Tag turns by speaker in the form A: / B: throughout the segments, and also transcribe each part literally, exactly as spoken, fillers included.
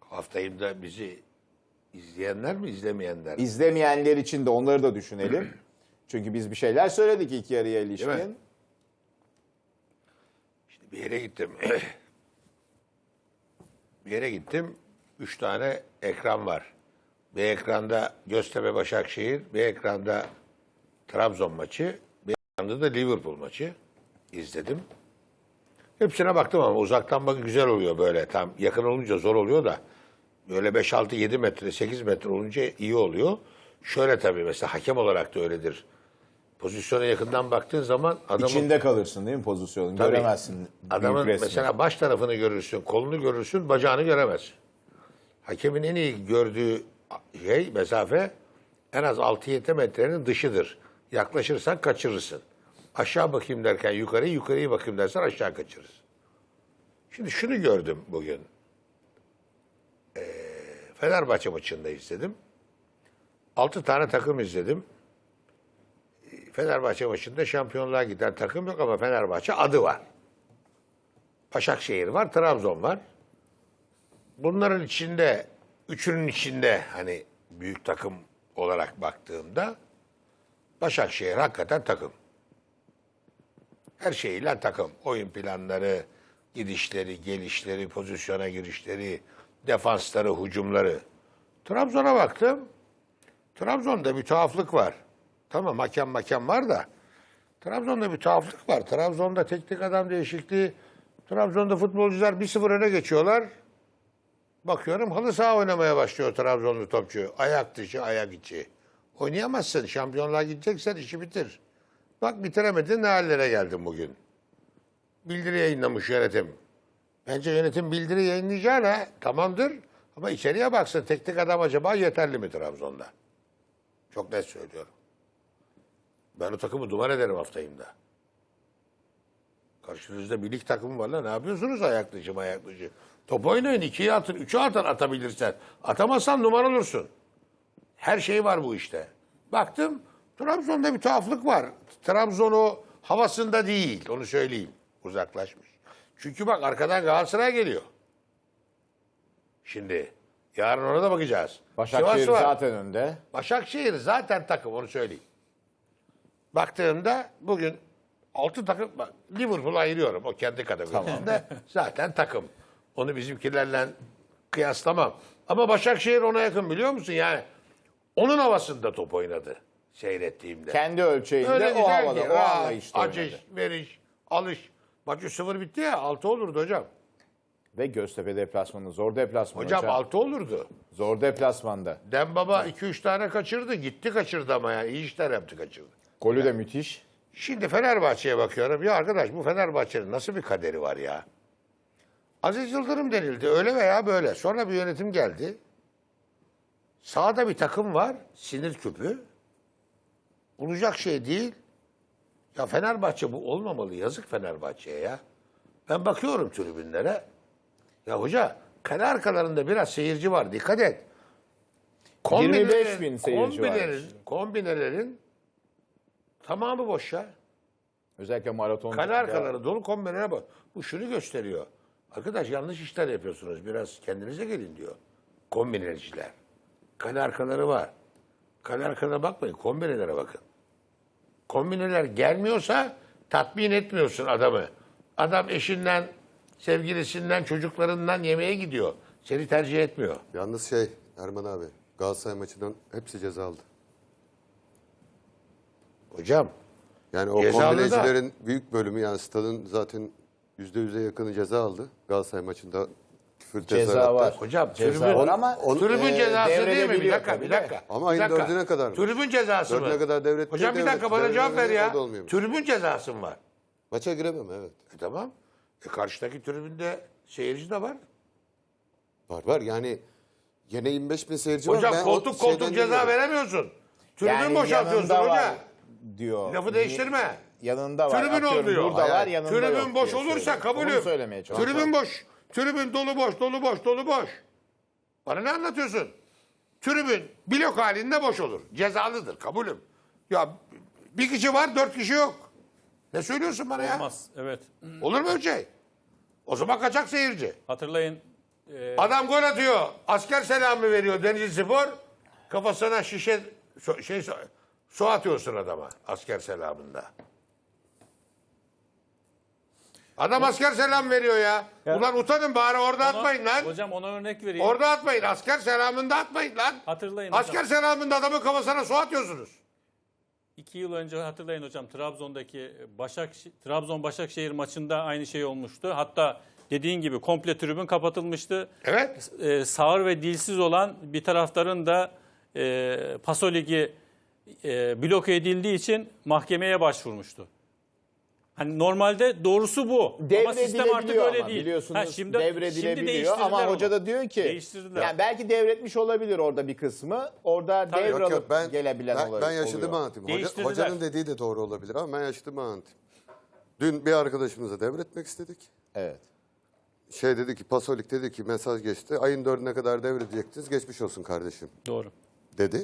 A: Haftayım da bizi izleyenler mi izlemeyenler mi?
B: İzlemeyenler için de onları da düşünelim. Çünkü biz bir şeyler söyledik ilk yarıya
A: Değil mi?
B: ilişkin.
A: Şimdi bir yere gittim. bir yere gittim. Üç tane ekran var. Bir ekranda Göztepe Başakşehir, bir ekranda Trabzon maçı, bir ekranda da Liverpool maçı izledim. Hepsine baktım ama uzaktan bakın güzel oluyor böyle. Tam yakın olunca zor oluyor da böyle beş altı yedi metre, sekiz metre olunca iyi oluyor. Şöyle tabii mesela hakem olarak da öyledir. Pozisyona yakından baktığın zaman adamın
B: İçinde kalırsın değil mi pozisyonun?
A: Tabii.
B: Göremezsin.
A: Adamın
B: büyük resmi.
A: mesela baş tarafını görürsün, kolunu görürsün, bacağını göremezsin. Hakemin en iyi gördüğü şey, mesafe en az altı yedi metrenin dışıdır. Yaklaşırsan kaçırırsın. Aşağı bakayım derken yukarı, yukarıya bakayım dersen aşağı kaçırırsın. Şimdi şunu gördüm bugün. Ee, Fenerbahçe maçında izledim. Altı tane takım izledim. Fenerbahçe maçında şampiyonluğa giden takım yok ama Fenerbahçe adı var. Başakşehir var, Trabzon var. Bunların içinde, üçünün içinde hani büyük takım olarak baktığımda Başakşehir hakikaten takım. Her şeyiyle takım. Oyun planları, gidişleri, gelişleri, pozisyona girişleri, defansları, hücumları. Trabzon'a baktım. Trabzon'da bir tuhaflık var. Tamam hakem hakem var da Trabzon'da bir tuhaflık var. Trabzon'da teknik adam değişikliği. Trabzon'da futbolcular bir sıfır öne geçiyorlar. Bakıyorum halı saha oynamaya başlıyor Trabzonlu topçu. Ayak dışı, ayak içi. Oynayamazsın. Şampiyonluğa gideceksen işi bitir. Bak bitiremedin, ne hallere geldin bugün. Bildiri yayınlamış yönetim. Bence yönetim bildiri yayınlayacağına tamamdır. Ama içeriye baksın, teknik adam acaba yeterli mi Trabzon'da? Çok net söylüyorum. Ben o takımı duman ederim haftayımda. Karşınızda bir lig takımı var lan. Ne yapıyorsunuz ayak dışı ayak dışı? Top oynayın. ikiye atın. Üçe atın atabilirsen. Atamazsan numara olursun. Her şey var bu işte. Baktım Trabzon'da bir tuhaflık var. Trabzon o havasında değil. Onu söyleyeyim. Uzaklaşmış. Çünkü bak arkadan Galatasaray geliyor. Şimdi yarın ona da bakacağız.
B: Başakşehir
A: Sivas var.
B: zaten önde.
A: Başakşehir zaten takım, onu söyleyeyim. Baktığımda bugün altı takım, bak, Liverpool'u ayırıyorum o kendi kategorisinde. Zaten takım. Onu bizimkilerle kıyaslamam. Ama Başakşehir ona yakın, biliyor musun? Yani onun havasında top oynadı seyrettiğimde.
B: Kendi ölçeğinde
A: Öyle
B: o
A: güzel
B: havada,
A: ki,
B: o
A: rahat,
B: anlayışta
A: açış,
B: oynadı.
A: veriş, alış. Maç üç sıfır bitti ya, altı olurdu hocam.
B: Ve Göztepe deplasmanı, zor deplasman
A: Hocam,
B: hocam.
A: altı olurdu.
B: Zor deplasmanda.
A: Dembaba iki üç tane kaçırdı. Gitti kaçırdı ama yani. İyi işler yaptı, kaçırdı.
B: Golü de müthiş.
A: Şimdi Fenerbahçe'ye bakıyorum. Ya arkadaş, bu Fenerbahçe'nin nasıl bir kaderi var ya? Aziz Yıldırım denildi. Öyle veya böyle. Sonra bir yönetim geldi. Sağda bir takım var. Sinir küpü. Olacak şey değil. Ya Fenerbahçe bu olmamalı. Yazık Fenerbahçe'ye ya. Ben bakıyorum tribünlere. Ya hoca, kale arkalarında biraz seyirci var. Dikkat et.
B: yirmi beş bin seyirci
A: kombinelerin,
B: varmış.
A: kombinelerin tamamı boş ya.
B: Özellikle maraton.
A: Kale arkaları dolu, kombinelere bak. Bu şunu gösteriyor. Arkadaş, yanlış işler yapıyorsunuz. Biraz kendinize gelin diyor. Kombineciler. Kale arkaları var. Kale arkalarına bakmayın. Kombinelere bakın. Kombineler gelmiyorsa tatmin etmiyorsun adamı. Adam eşinden, sevgilisinden, çocuklarından yemeğe gidiyor. Seni tercih etmiyor.
C: Yalnız şey Erman abi, Galatasaray maçından hepsi ceza aldı.
A: Hocam,
C: Yani o
A: Cezalı
C: kombinecilerin büyük bölümü, yani stadın zaten yüzde yüze yakını ceza aldı. Galatasaray maçında küfür
B: Ceza
C: tezahüratlar.
B: var.
A: hocam
B: Ceza
A: tribün,
B: var ama
C: on-
A: tribün
B: e,
A: cezası değil mi? Bir
B: devredebiliyor
A: dakika,
B: tabii
A: bir
B: de.
A: dakika.
C: Ama
A: bir
C: ayın
A: dakika.
C: dördüne kadar mı?
A: Tribün cezası mı?
C: Dördüne kadar devret.
A: Hocam bir dakika, bana cevap ver ya. Tribün cezası mı var?
C: Maça giremem, evet.
A: E tamam. E karşıdaki tribünde seyirci de var.
C: Var var yani yine yirmi beş bin seyirci
A: Hocam
C: var. Ben o
A: koltuk koltuk
C: şeyden
A: ceza
C: dinliyorum.
A: veremiyorsun. Tribün
B: Yani
A: boşaltıyorsun
B: yanında
A: hoca.
B: var diyor.
A: Lafı değiştirme.
B: Yanında var.
A: Tribün
B: Atıyorum,
A: oluyor.
B: Burada var,
C: Hayır,
B: yanında
A: Tribün
B: yok
A: boş
B: diye
A: olursa
B: söylüyor.
A: kabulüm.
B: Onu söylemeye çalışıyorum.
A: Tribün boş. Tribün dolu boş, dolu boş, dolu boş. Bana ne anlatıyorsun? Tribün blok halinde boş olur. Cezalıdır, kabulüm. Ya bir kişi var, dört kişi yok. Ne söylüyorsun bana ya?
D: Olmaz. Evet.
A: Olur mu öyle şey? O zaman kaçak seyirci.
D: Hatırlayın
A: Adam gol atıyor. Asker selamı veriyor Denizlispor. Kafasına şişe so- şey so- su atıyorsun adama asker selamında. Adam asker selam veriyor ya.
D: Ya-
A: Ulan utanın bari orada
E: Ona-
A: atmayın lan.
E: Hocam ona örnek vereyim.
A: Orada atmayın. Asker selamında atmayın lan.
E: Hatırlayın
A: Asker
E: hocam.
A: selamında adamın kafasına su atıyorsunuz.
E: İki yıl önce hatırlayın hocam Trabzon'daki Başak Trabzon Başakşehir maçında aynı şey olmuştu. Hatta dediğin gibi komple tribün kapatılmıştı.
A: Evet.
E: Ee, sağır ve dilsiz olan bir taraftarın da e, Paso Ligi e, bloke edildiği için mahkemeye başvurmuştu. Hani normalde doğrusu bu. Ama sistem artık
B: Devredilebiliyor
E: öyle
B: ama
E: değil.
B: biliyorsunuz
E: Ha, şimdi, şimdi
B: devredilebiliyor
E: değiştirdiler
B: ama
E: onu.
B: hoca da diyor ki
E: Değiştirdiler.
B: yani belki devretmiş olabilir orada bir kısmı. Orada
E: Tabii.
B: devralıp
C: Yok yok ben,
B: gelebilen
C: ben,
B: olabilir.
C: ben yaşadığımı
B: oluyor.
C: anlatayım. Hoca,
E: Değiştirdiler.
C: hocanın dediği de doğru olabilir ama ben yaşadığımı anlatayım. Dün bir arkadaşımıza devretmek istedik.
B: Evet.
C: Şey dedi ki Pasolik dedi ki mesaj geçti. Ayın dördüne kadar devredecektiniz. Geçmiş olsun kardeşim
E: Doğru.
C: dedi.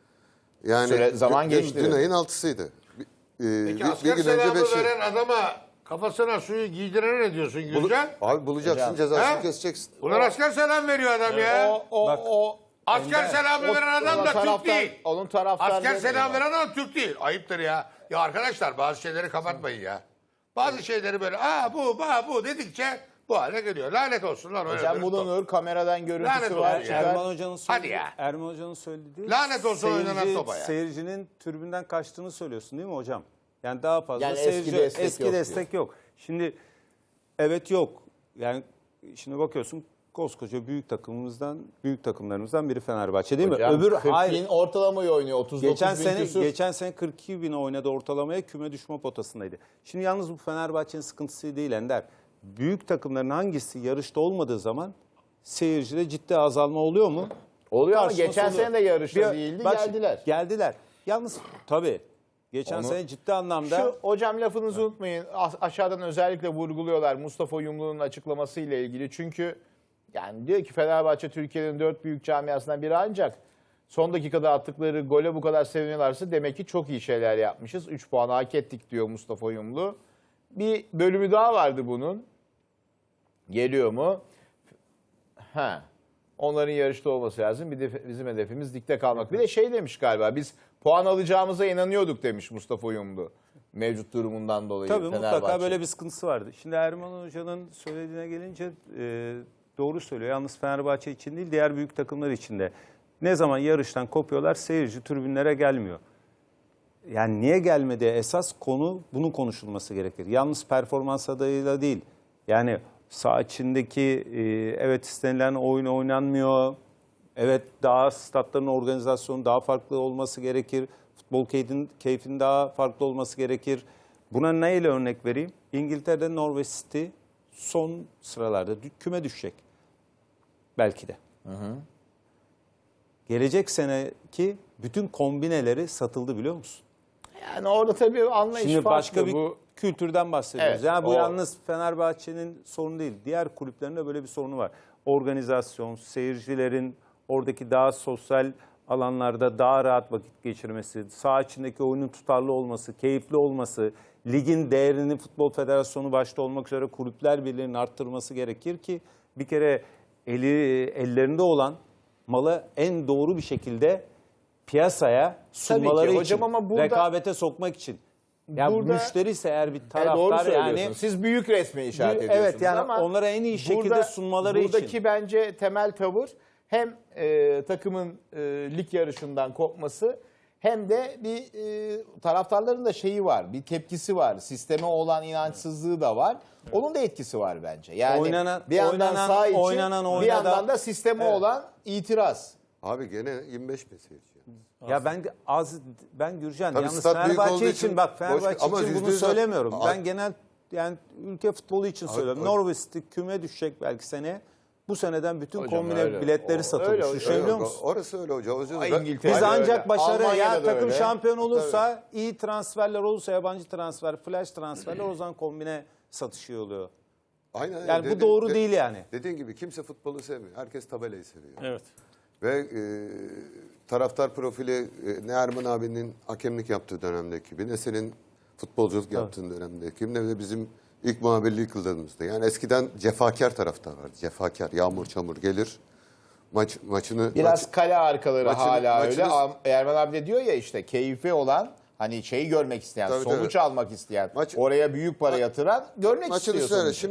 C: Yani
B: Süre- zaman
C: dün,
B: geçti
C: Dün, dün
B: dedi.
C: ayın altısıydı. Bir, e,
A: Peki
C: bir,
A: asker
C: bir gün önce
A: selamı
C: beşi.
A: veren adama kafasına suyu giydirene ne diyorsun
C: Bulu-
A: Gülcan?
C: Abi bulacaksın
B: Hocam.
C: cezasını
A: He?
C: keseceksin.
A: Ulan asker selam veriyor adam ya.
B: O o
D: Bak,
B: o
A: Asker selamı
B: o-
A: veren adam
B: ona
A: da Türk
B: taraftar-
A: değil.
B: Onun taraftarları
A: Asker
B: da
A: selam
B: var.
A: veren adam Türk değil. Ayıptır ya. Ya arkadaşlar bazı şeyleri kapatmayın ya. Bazı şeyleri böyle aa bu bu bu dedikçe bu hale geliyor. Lanet olsun lan. öyle
B: Hocam
A: bir-
B: bulunur kameradan
A: Lanet
B: görüntüsü
A: olsun
B: var.
A: ya.
B: çıkar.
D: Erman Hoca'nın
A: Hadi
D: söylediği,
A: ya.
D: Erman Hoca'nın söylediği
A: Lanet olsun oynanan topa ya.
D: Seyircinin tribünden kaçtığını söylüyorsun değil mi hocam? Yani daha fazla
B: Yani eski
D: seyirci
B: destek
D: eski
B: yok
D: destek yok. Şimdi evet yok. Yani şimdi bakıyorsun koskoca büyük takımımızdan büyük takımlarımızdan biri Fenerbahçe değil
B: Hocam,
D: mi? Öbür
B: kırk
D: hayır.
B: bin ortalamayı oynuyor. otuz dokuz
D: Geçen
B: bin
D: sene
B: küsur.
D: geçen sene kırk iki bin oynadı ortalamaya, küme düşme potasındaydı. Şimdi yalnız bu Fenerbahçe'nin sıkıntısı değil Ender. Büyük takımların hangisi yarışta olmadığı zaman seyircide ciddi azalma oluyor mu?
B: Oluyor ama
D: Tartışması
B: geçen
D: oluyor.
B: sene de yarışta
D: Bir-
B: değildi,
D: bak,
B: geldiler.
D: Geldiler. Yalnız tabii geçen
B: Onu-
D: sene ciddi anlamda
B: Şu hocam lafınızı unutmayın. A- aşağıdan özellikle vurguluyorlar Mustafa Yumlu'nun açıklaması ile ilgili. Çünkü yani diyor ki Fenerbahçe Türkiye'nin dört büyük camiasından biri ancak son dakikada attıkları gole bu kadar seviniyorlarsa demek ki çok iyi şeyler yapmışız. üç puan hak ettik diyor Mustafa Yumlu. Bir bölümü daha vardı bunun. Geliyor mu? Ha. Onların yarışta olması lazım. Bir de bizim hedefimiz ligde kalmak. Bir de şey demiş galiba. Biz puan alacağımıza inanıyorduk demiş Mustafa Yumlu. Mevcut durumundan dolayı
D: tabii mutlaka
B: Fenerbahçe.
D: böyle bir sıkıntısı vardı. Şimdi Erman Hoca'nın söylediğine gelince e, doğru söylüyor. Yalnız Fenerbahçe için değil diğer büyük takımlar için de. Ne zaman yarıştan kopuyorlar seyirci tribünlere gelmiyor. Yani niye gelmedi? Esas konu bunun konuşulması gerekir. Yalnız performans adayıyla değil. Yani saha içindeki e, evet istenilen oyun oynanmıyor. Evet daha statların organizasyonu daha farklı olması gerekir. Futbol keyfinin, keyfinin daha farklı olması gerekir. Buna neyle örnek vereyim? İngiltere'de Norwich City son sıralarda dü- küme düşecek. Belki de. Hı hı. Gelecek seneki bütün kombineleri satıldı biliyor musun?
B: Yani orada tabii anlayış
D: Şimdi
B: farklı.
D: başka bir
B: Bu
D: kültürden bahsediyoruz.
B: Evet,
D: yani bu
B: o-
D: yalnız Fenerbahçe'nin sorunu değil. Diğer kulüplerin de böyle bir sorunu var. Organizasyon, seyircilerin oradaki daha sosyal alanlarda daha rahat vakit geçirmesi, saha içindeki oyunun tutarlı olması, keyifli olması, ligin değerini Futbol Federasyonu başta olmak üzere kulüpler birliğinin arttırması gerekir ki bir kere eli ellerinde olan malı en doğru bir şekilde piyasaya sunmaları
B: Tabii ki
D: için,
B: hocam ama burada-
D: rekabete sokmak için. Ya
B: Burada-
D: müşteri ise eğer bir
B: E, doğru
D: taraftar
B: söylüyorsunuz.
D: yani
B: Siz büyük resmi işaret
D: Büyük-
B: ediyorsunuz
D: evet, yani
B: ama
D: onlara en iyi şekilde sunmaları için.
B: Buradaki bence temel tavır hem e, takımın e, lig yarışından kopması hem de bir e, taraftarların da şeyi var, bir tepkisi var. Sisteme olan inançsızlığı da var. Onun da etkisi var bence. Yani
D: Oynanan-
B: bir yandan
D: oynanan-
B: sağ için
D: oynanan
B: bir
D: oyuna
B: yandan
D: da-
B: da sisteme
D: Evet.
B: olan itiraz.
C: Abi gene yirmi beş bin seyirci.
D: ya ben de az ben Gürcan
C: Tabii
D: yalnız
C: stat büyük
D: Fenerbahçe
C: olduğu
D: için,
C: için
D: bak
C: boş-
D: Fenerbahçe
C: ama
D: için
C: yüzde
D: bunu
C: yüz-
D: söylemiyorum.
C: Abi-
D: Ben genel yani ülke futbolu için söylüyorum.
C: Abi-
D: Norwich City küme düşecek belki seneye. Bu seneden bütün
B: Hocam
D: kombine
B: öyle.
D: biletleri
B: O-
D: satılmış.
B: öyle, öyle.
D: Düşünebiliyor
C: Yok,
D: musun?
C: Orası öyle hocam. Özür
B: Ay,
C: dilerim.
B: İngiltere-
D: Biz
B: öyle.
D: ancak başarı
B: Almanya'da
D: ya
B: da
D: takım
B: öyle.
D: şampiyon olursa, iyi transferler olursa, yabancı transfer, flash transferler o zaman kombine satışı oluyor.
C: Aynen.
D: Yani bu
C: Dedi-
D: doğru
C: de-
D: değil yani.
C: Dediğin gibi kimse futbolu sevmiyor. Herkes tabelayı seviyor.
E: Evet.
C: Ve e, taraftar profili e, ne Erman abinin hakemlik yaptığı dönemdeki gibi ne senin futbolculuk yaptığın dönemdeki gibi ne de bizim İlk muhabirlik yıllarımızda. Yani eskiden cefakar taraftar vardı. Cefakar, yağmur çamur gelir. Maç maçını
B: Biraz
C: maç-
B: kale arkaları
C: maçını-
B: hala öyle.
C: maçınız-
B: Am- Erman abi de diyor ya işte keyfi olan, hani şeyi görmek isteyen,
C: Tabii,
B: sonuç
C: tabii.
B: almak isteyen,
C: Maç-
B: oraya büyük para yatıran görmek
C: maçını
B: istiyor
C: söyle.
B: sonucu.
C: Şimdi